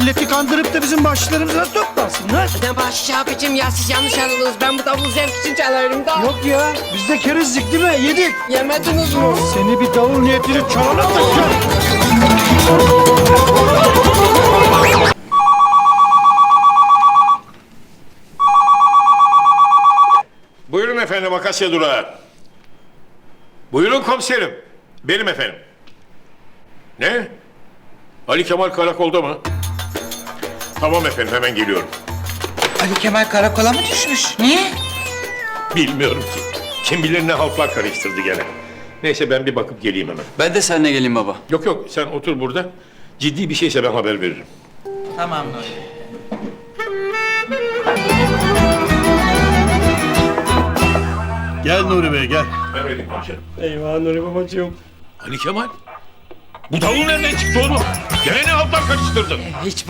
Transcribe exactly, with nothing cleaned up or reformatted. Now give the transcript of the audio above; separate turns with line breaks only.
milleti kandırıp da bizim başlarımıza toplasınlar.
Ne baş abicim ya, siz yanlış anladınız. Ben bu davul zevk için çalarım da.
Yok ya, biz de kerizdik değil mi? Yedik.
Yemediniz mi?
Seni bir davul niyetini çalana takacağım.
Buyurun efendim, Akasya Durağı. Buyurun komiserim. Benim efendim. Ne? Ali Kemal karakolda mı? Tamam efendim, hemen geliyorum.
Ali Kemal karakola mı düşmüş? Niye?
Bilmiyorum ki. Kim bilir ne haltlar karıştırdı gene. Neyse, ben bir bakıp geleyim hemen.
Ben de seninle geleyim baba.
Yok yok, sen otur burada. Ciddi bir şeyse ben haber veririm.
Tamam Nuri.
Gel Nuri Bey gel.
Ben vereyim komiserim.
Eyvah Nuri babacığım.
Ali Kemal? Bu davul nereden çıktı oğlum? Gene ne haltlar karıştırdın?
Hiç